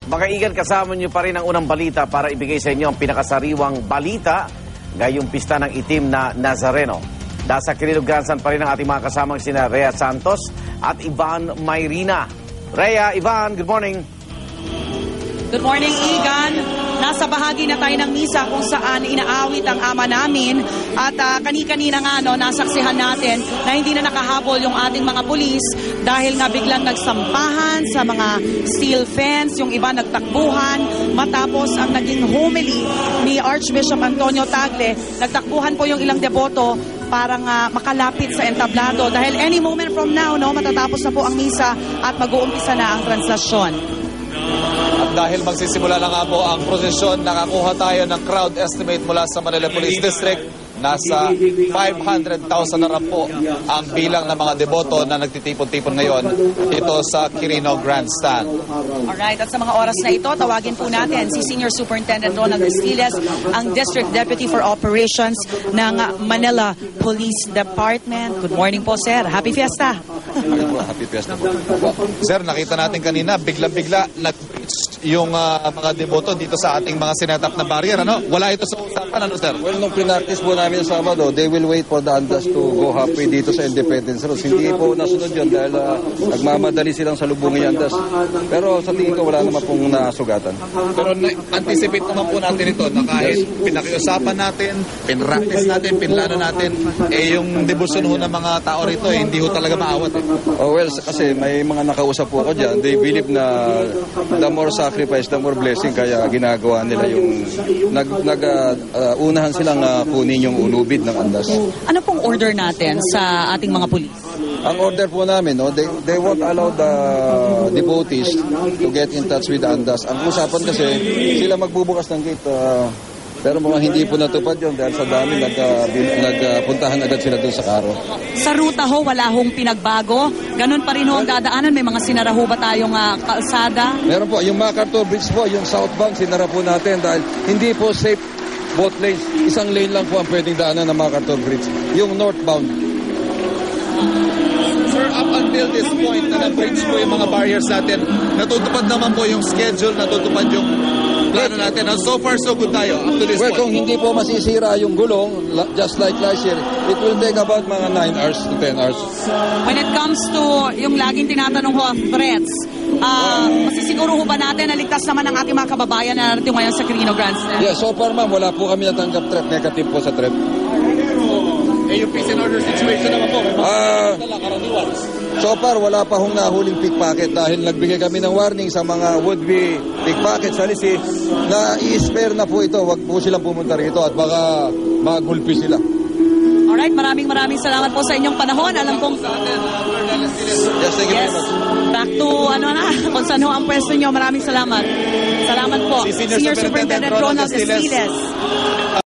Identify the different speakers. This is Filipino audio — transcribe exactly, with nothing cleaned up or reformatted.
Speaker 1: Mga Igan, kasama niyo pa rin ang unang balita para ibigay sa inyo ang pinakasariwang balita ngayong pista ng itim na Nazareno. Nasa Quirino Grandstand pa rin ang ating mga kasamang sina Rhea Santos at Ivan Mayrina. Rhea, Ivan, good morning.
Speaker 2: Good morning, Igan. Nasa bahagi na tayo ng misa kung saan inaawit ang ama namin at uh, kani-kanina nga no, nasaksihan natin na hindi na nakahabol yung ating mga pulis dahil nga biglang nagsampahan sa mga steel fence, yung iba nagtakbuhan matapos ang naging homily ni Archbishop Antonio Tagle. Nagtakbuhan po yung ilang deboto para nga makalapit sa entablado dahil any moment from now no, matatapos na po ang misa at mag-uumpisa na ang translasyon.
Speaker 3: At dahil magsisimula na nga po ang prosesyon, nakakuha tayo ng crowd estimate mula sa Manila Police District. Nasa five hundred thousand na po ang bilang ng mga deboto na nagtitipon-tipon ngayon ito sa Quirino Grandstand.
Speaker 2: Alright, at sa mga oras na ito, tawagin po natin si Senior Superintendent Ronald Estiles, ang District Deputy for Operations ng Manila Police Department. Good morning po, sir. Happy Fiesta.
Speaker 3: Happy Fiesta po. Sir, nakita natin kanina, bigla-bigla nag-breach yung uh, mga deboto dito sa ating mga sinetap na barrier. Ano? Wala ito sa usapan, ano, sir?
Speaker 4: Well, nung pinartis po namin sa Sabado, they will wait for the andas to go halfway dito sa Independence Road. Hindi po nasunod yun dahil uh, nagmamadali silang salubungin yung andas. Pero sa tingin ko, wala naman pong nasugatan.
Speaker 3: Pero anticipate naman po natin ito na kahit pinakiusapan natin, pinractice natin, pinlano natin, eh yung debosyon ho ng mga tao rito, eh, hindi ho talaga maawat. Eh.
Speaker 4: Oh, well, kasi may mga nakausap po ako dyan. They believe na the more sacrifice, the more blessing. Kaya ginagawa nila yung nag, nag, uh, uh, unahan silang uh, kunin yung ulubid ng andas.
Speaker 2: Ano pong order natin sa ating mga pulis?
Speaker 4: Ang order po namin, no, they, they won't allow the devotees to get in touch with the andas. Ang usapan kasi, sila magbubukas ng gate. Uh, pero mukhang hindi po natupad yun dahil sa dami nagpuntahan uh, agad sila doon sa karo.
Speaker 2: Sa ruta ho, wala hong pinagbago? Ganun pa rin ho ang dadaanan? May mga sinara ho ba tayong uh, kalsada?
Speaker 4: Meron po. Yung MacArthur Bridge po, yung southbound, sinara po natin dahil hindi po safe both lanes. Isang lane lang po ang pwedeng daanan ng MacArthur Bridge. Yung northbound.
Speaker 3: Sir, up until this point na na-breach po yung mga barriers natin, natutupad naman po yung schedule, natutupad yung plano natin. And so far, so good tayo up to this
Speaker 4: well,
Speaker 3: point.
Speaker 4: Kung hindi po masisira yung gulong, just like last year, it will take about mga nine hours to ten hours.
Speaker 2: When it comes to yung laging tinatanong ho ang threats, uh, masisiguro ho ba natin na ligtas naman ang ating mga kababayan na narito ngayon sa Quirino Grandstand?
Speaker 4: Yeah, so far ma'am, wala po kami natanggap threat. Negative po sa threat.
Speaker 3: Eh, yung peace and order situation naman po.
Speaker 4: Ah, so far, wala pa hong nahuling pickpocket dahil nagbigay kami ng warning sa mga would-be pickpocket sa lisi na i-spare na po ito. Huwag po silang pumunta rito at baka magulpi sila.
Speaker 2: Alright, maraming maraming salamat po sa inyong panahon. Alam kong...
Speaker 4: Yes, thank you
Speaker 2: yes,
Speaker 4: very much.
Speaker 2: Back to ano na, kung saan ho ang pwesto nyo. Maraming salamat. Salamat po.
Speaker 3: Si Senior
Speaker 2: Senior
Speaker 3: Superintendent
Speaker 2: Superintendent Ronald
Speaker 3: Ronald Estiles.
Speaker 2: Estiles.